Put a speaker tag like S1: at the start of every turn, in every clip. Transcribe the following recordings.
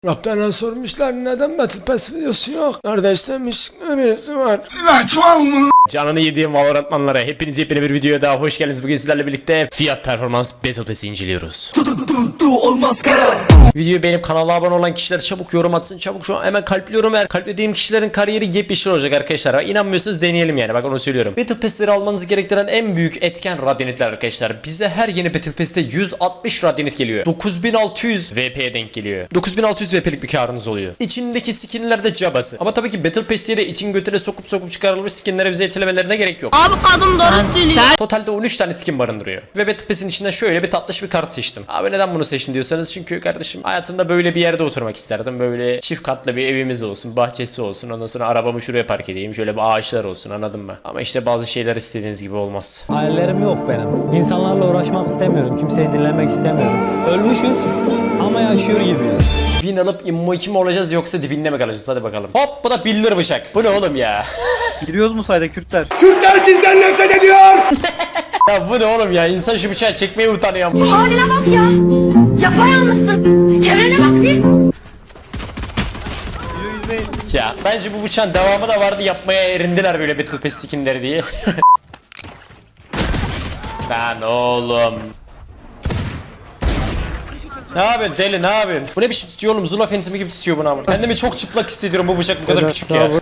S1: Kaptana sormuşlar neden Battle Pass videosu yok. Kardeş demiş neresi var? Canını yediğim Valorantmanlara hepiniz yepyeni bir videoya daha hoş geldiniz. Bugün sizlerle birlikte fiyat performans Battle Pass'i inceliyoruz. Olmaz kara. Videoyu beğenip kanala abone olan kişiler çabuk yorum atsın. Çabuk şu an hemen kalpliyorum. Eğer kalplediğim kişilerin kariyeri yepyeşil olacak arkadaşlar. İnanmıyorsanız deneyelim yani, bak onu söylüyorum. Battle Pass'leri almanızı gerektiren en büyük etken radyanitler arkadaşlar. Bize her yeni Battle Pass'te 160 radyanit geliyor. 9600 VP'ye denk geliyor. 9600 VP'lik bir karınız oluyor. İçindeki skinler de cabası. Ama tabii ki Battle Pass diye için götüne sokup çıkarılmış skinlere bize etelemelerine gerek yok.
S2: Abi kadın doğru söylüyor.
S1: Totalde 13 tane skin barındırıyor. Ve Battle Pass'in içinde şöyle bir tatlış bir kart seçtim. Abi neden bunu seçtin diyorsanız, çünkü kardeşim hayatımda böyle bir yerde oturmak isterdim. Böyle çift katlı bir evimiz olsun, bahçesi olsun. Ondan sonra arabamı şuraya park edeyim. Şöyle bir ağaçlar olsun, anladın mı? Ama işte bazı şeyler istediğiniz gibi olmaz.
S3: Hayallerim yok benim. İnsanlarla uğraşmak istemiyorum. Kimseyi dinlemek istemiyorum. Ölmüşüz ama yaşıyor gibiyiz.
S1: Win alıp immo 2 mi olacağız yoksa dibinde mi kalacağız? Hadi bakalım. Hop, bu da bildir bıçak. Bu ne oğlum ya?
S4: Giriyoruz mu sayda Kürtler?
S1: Kürtler sizden nefret ediyor. Ya bu ne oğlum ya? İnsan şu bıçağı çekmeye utanıyor.
S2: Haline bak ya. Yapayalnızsın. Çevrene bak bir.
S1: Ya bence bu bıçağın devamı da vardı, yapmaya erindiler böyle Battle Pass skinleri diye. Lan oğlum. Ne yapıyorsun deli, ne yapıyorsun? Bu ne biçim tutuyor oğlum? Zula fentimi gibi tutuyor bunu ama. Kendimi çok çıplak hissediyorum, bu bıçak bu kadar küçük ya.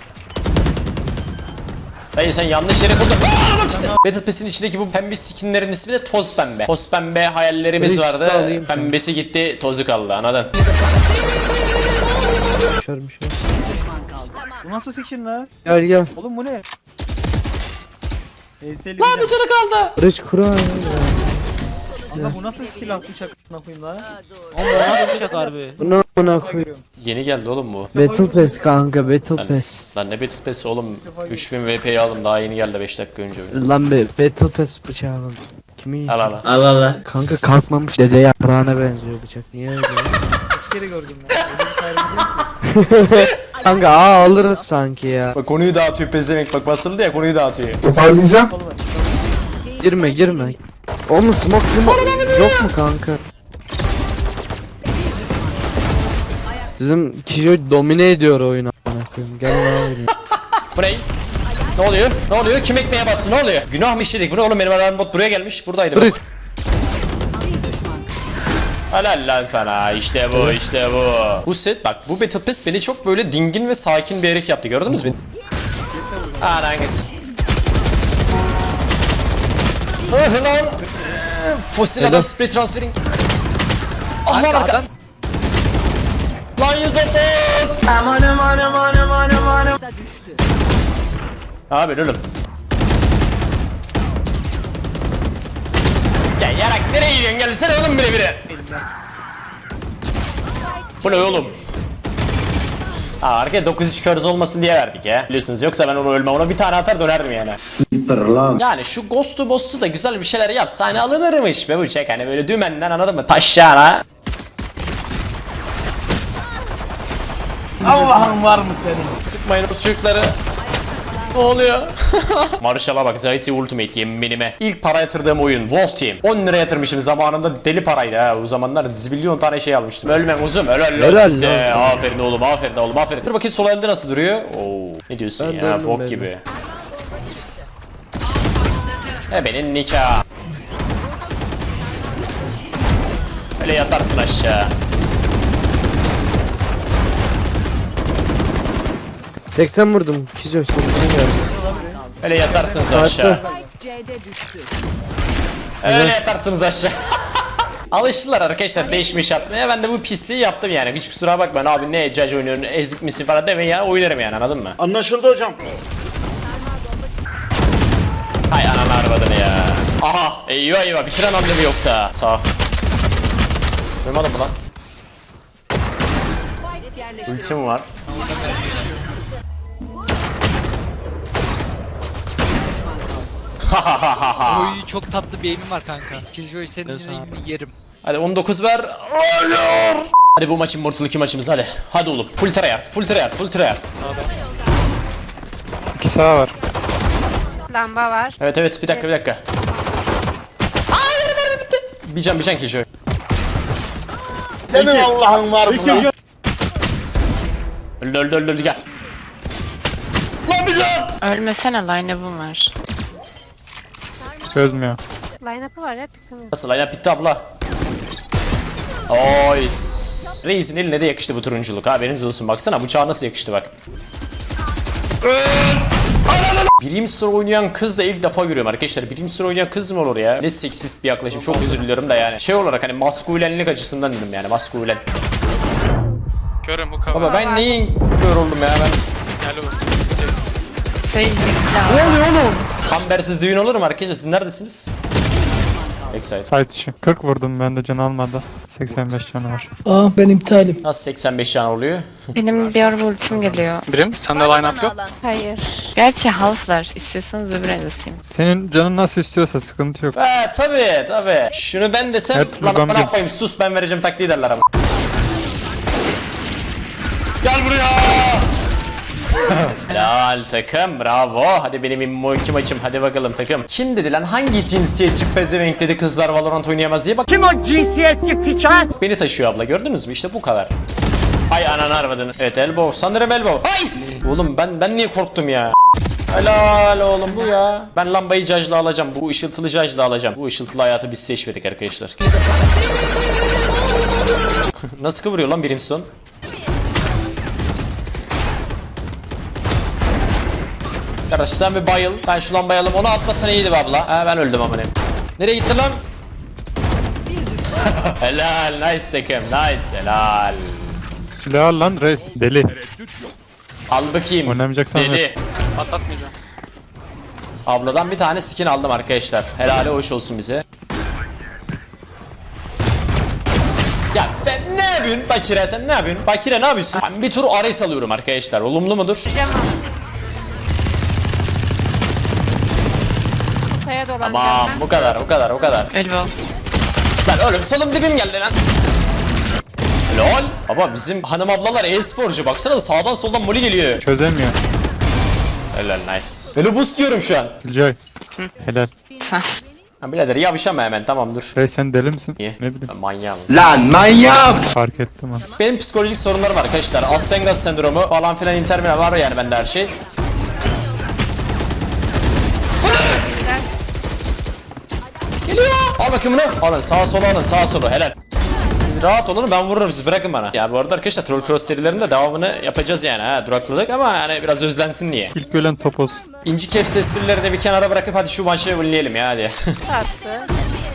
S1: Dayı sen yanlış yere kurdun. Battle Pass'in içindeki bu pembe skinlerin ismi de toz pembe. Toz pembe hayallerimiz vardı. Pembesi gitti, tozu kaldı, anladın?
S4: Bu nasıl seçim lan?
S5: Gel gel.
S4: Oğlum bu ne? ES'li
S1: Lan bir canı kaldı.
S5: Barış Kur'an.
S4: Ama bu nasıl silah bıçak koyayım lan? Ama bu nasıl bıçak harbi?
S5: Bunu buna koy.
S1: Yeni geldi oğlum bu.
S5: Battle Pass kanka, Battle Pass.
S1: Lan ne Battle Pass'i oğlum? 3000 VP'yi aldım, daha yeni geldi 5 dakika önce.
S5: Lan be, Battle Pass bıçağı alın. Kimi?
S1: Al al.
S5: Kanka kalkmamış dede yaprağına benziyor bıçak. Niye öyle?
S4: Kaç kere gördüm ben. Öyle bir hayır biliyor musun?
S5: Kanka alırız sanki ya.
S1: Bak konuyu dağıtıyor pezevenk, bak basıldı ya, konuyu dağıtıyor.
S5: Girme. O mu smoke yok mu kanka? Bizim Kijo domine ediyor oyunu. Amına koyayım. Gel lan oyunu.
S1: Bu ne? Ne oluyor? Ne oluyor? Kim ekmeğe bastı? Ne oluyor? Günah mı işledik? Bu ne oğlum? Benim alarm bot buraya gelmiş. Buradaydı bak. Helal lan sana. İşte bu. Bu set bak, bu Battle Pass beni çok böyle dingin ve sakin bir herif yaptı. Gördünüz mü? Anangız. Oh lan. Fosil adam spray transferring. Ah lan arka. Lan 130. Abi oğlum. Gel yarak, nereye gidiyorsun? Gelsene oğlum bire. Bu ne oğlum? Arkaya 9-3 körüz olmasın diye verdik ya. Biliyorsunuz, yoksa ben onu ölmem, ona bir tane atar dönerdim yani. Yani şu ghost'u boss'u da güzel bir şeyler yapsa hani alınırmış be bıçak, hani böyle dümenden, anladın mı? Taşşağına.
S6: Allah'ın var mı senin?
S1: Sıkmayın o çocukları. Ne oluyor? Marshall'a bak, Zayt'i Ultimate yeminime. İlk para yatırdığım oyun Wolf Team. 10 lira yatırmışım zamanında, deli paraydı ha. O zamanlar zilyon tane şey almıştım. Ölmem uzun, helal size. Aferin oğlum, aferin. Dur bakayım sol elde nasıl duruyor? Oo, ne diyorsun
S5: Ben
S1: ya, bok gibi. Benim nikah. Öyle yatarsın aşağı.
S5: 80 vurdum. Kijo sonuna geldi.
S1: Öyle yatarsınız aşağı. Öyle yatarsınız aşağı. Alıştılar arkadaşlar değişmiş yapmaya. Ben de bu pisliği yaptım yani. Hiç kusura bakmayın abi, ne judge oynuyorsun, ezik misin falan demeyin ya, oynarım yani, anladın mı?
S6: Anlaşıldı hocam.
S1: Hay ananı arvadını ya. Aha eyvah bitiren hamle mi yoksa? Sağ. Duymadın mı lan? Ultim var.
S7: Oy çok tatlı bir aim'im var kanka. Killjoy senin aim'ini yerim.
S1: Hadi 19 ver. Hadi bu maçın Mortal 2 maçımız hadi. Hadi oğlum. Full tryhard.
S5: 2 sağ var.
S2: Lamba var.
S1: Evet bir dakika. Bir can Killjoy.
S6: Senin Allah'ın var mı lan?
S1: Öldü gel. Lan bir can.
S6: Ölmesene line-up'ım var.
S5: Çözmüyor.
S2: Line-up'ı var ya. Tamam.
S1: Nasıl aynen bitti abla. Oy. Reis'in eline de yakıştı bu turunculuk. Haberiniz olsun, baksana bıçağa nasıl yakıştı bak. Birim Store oynayan kız da ilk defa görüyorum arkadaşlar. Birim Store oynayan kız mı olur ya? Ne seksist bir yaklaşım, çok özür diliyorum da yani. Şey olarak hani maskülenlik açısından dedim yani, maskülen.
S8: Körüm bu kamera.
S1: Baba ben neyin kör oldum ya ben.
S8: Gel oğlum.
S6: Seyircilikler.
S1: oluyor oğlum? Kambersiz düğün olur mu arkadaşlar? Siz neredesiniz? Backside.
S5: Site içi. 40 vurdum ben de can almadı. 85 canı var.
S1: Nasıl 85 can oluyor?
S6: Benim bir ara ultim geliyor.
S8: Birim sende line up yok.
S6: Hayır. Gerçi halflar. İstiyorsanız öbür el basayım.
S5: Senin canın nasıl istiyorsa sıkıntı yok.
S1: He tabi. Şunu ben desem
S5: Evet,
S1: lan
S5: buradan
S1: ne
S5: bir-
S1: yapayım, sus ben vereceğim taktiği derler ama. Gel buraya. Helal takım, bravo. Hadi benim immoki maçım, hadi bakalım takım. Kim dedi lan, hangi cinsiyetçi pezevenk dedi kızlar Valorant oynayamaz diye, bak. Kim o cinsiyetçi piçan? Beni taşıyor abla, gördünüz mü, işte bu kadar. Ay ananı arvadını. Evet elbow, sanırım elbow. Ay! Oğlum ben niye korktum ya? Helal oğlum bu ya. Ben lambayı cajla alacağım. Bu ışıltılı cajla alacağım. Bu ışıltılı hayatı biz seçmedik arkadaşlar. Nasıl kıvırıyor lan Brimstone? Kardeşim sen bir bayıl. Ben şu lambayı alayım. Onu atmasan iyiydi be abla. Ha ben öldüm amına. Nereye gitti lan? Helal, nice takım, nice, helal.
S5: Silah al lan reis. Deli.
S1: Al bakayım.
S5: Oynamayacaksan
S1: Deli.
S8: Patlatmayacağım.
S1: Abladan bir tane skin aldım arkadaşlar. Helali hoş olsun bize. Ya ben ne yapıyorsun Bakire, sen ne yapıyorsun? Bakire ne yapıyorsun? Ben bir tur Ares alıyorum arkadaşlar. Olumlu mudur?
S2: Kaya dolanacağım
S1: Tamam
S2: ben.
S1: bu kadar.
S6: Elbow.
S1: Lan oğlum solum dibim geldi lan. Lol. Baba bizim hanım ablalar e-sporcu, baksana sağdan soldan moli geliyor.
S5: çözemiyor.
S1: Helal, nice. Böyle boost diyorum şu an.
S5: Killjoy. Helal.
S6: Sen.
S1: Ha birader yavşama hemen, tamam dur.
S5: Reis sen deli misin?
S1: Niye?
S5: Ne bileyim.
S1: Ben manyağım.
S5: Fark ettim ha.
S1: Benim psikolojik sorunlarım var arkadaşlar. Aspengas sendromu falan filan, intermina var yani bende her şey. Geliyor. Al bakayım bunu. Alın sağa sola, alın sağa sola, helal. Siz rahat olun, ben vururum sizi, bırakın bana. Ya bu arada arkadaşlar Troll Cross serilerinde devamını yapacağız yani ha. Durakladık ama yani biraz özlensin diye.
S5: İlk ölen top olsun.
S1: İnci caps esprileri de bir kenara bırakıp hadi şu maçı oynayalım ya hadi.
S2: Attı.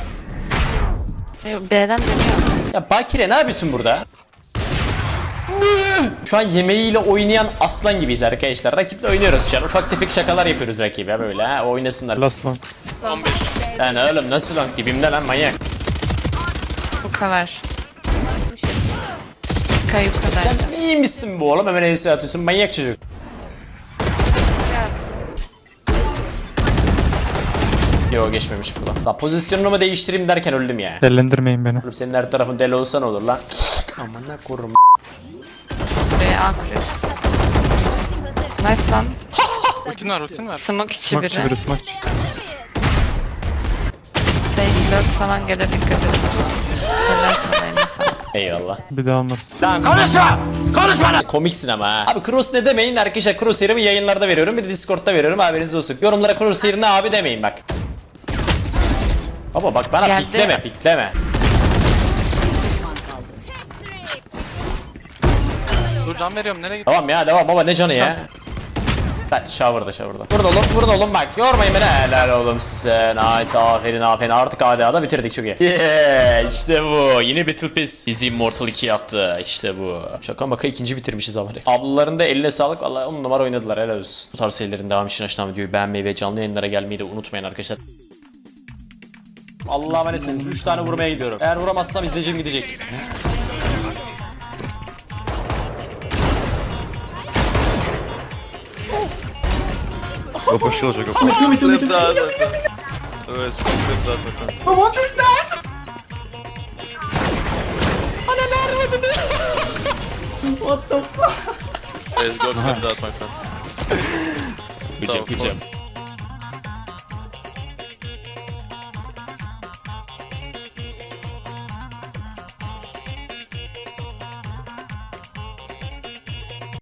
S6: B'den dönüyor.
S1: Ya Bakire ne yapıyorsun burada? Şu an yemeğiyle oynayan aslan gibiyiz arkadaşlar. Rakiple oynuyoruz şu an. Ufak tefek şakalar yapıyoruz rakibe böyle ha. Oynasınlar.
S5: Last long.
S8: 15.
S1: Lan oğlum nasıl lan, dibimde lan manyak.
S6: Bu kadar. Sky yukarıda.
S1: Sen iyiymişsin bu oğlum, hemen ES atıyorsun, manyak çocuk. Yo geçmemiş buradan. La pozisyonumu değiştireyim derken öldüm ya.
S5: Dellendirmeyin beni.
S1: Oğlum senin her tarafın deli olsa ne olur lan? Aman ne korum.
S6: B A kuruyor. Nice lan.
S8: Ultin var ultin var.
S6: Smoke içi
S5: Smack
S6: biri.
S5: çeviri smack.
S6: Sage lurk falan gelir, dikkat et. Helal sana eline sağlık.
S1: Eyvallah.
S5: Bir daha olmasın.
S1: Komiksin ama ha. Abi cross ne demeyin arkadaşlar, crosshair'ımı yayınlarda veriyorum, bir de Discord'da veriyorum, haberiniz olsun. Yorumlara crosshair ne abi demeyin bak. Baba bak bana
S6: Geldi.
S1: pikleme.
S8: Dur can veriyorum nereye gitti?
S1: Tamam ya devam baba, ne canı ya. Ben shower'da. Burada oğlum bak, yormayın beni. Helal oğlum size. Nice, aferin. Artık ADA'da bitirdik, çok iyi. Yeah, işte bu. Yine Battle Pass bizi Immortal 2 yaptı. İşte bu. Şaka maka ikinci bitirmişiz ama. Ablaların da eline sağlık. Vallahi 10 numara oynadılar, helal olsun. Bu tarz serilerin devamı için aşağıdan videoyu beğenmeyi ve canlı yayınlara gelmeyi de unutmayın arkadaşlar. Allah'a emanetsiniz. 3 tane vurmaya gidiyorum. Eğer vuramazsam izleyicim gidecek.
S8: Let's go clip that my friend.
S1: Gıcım.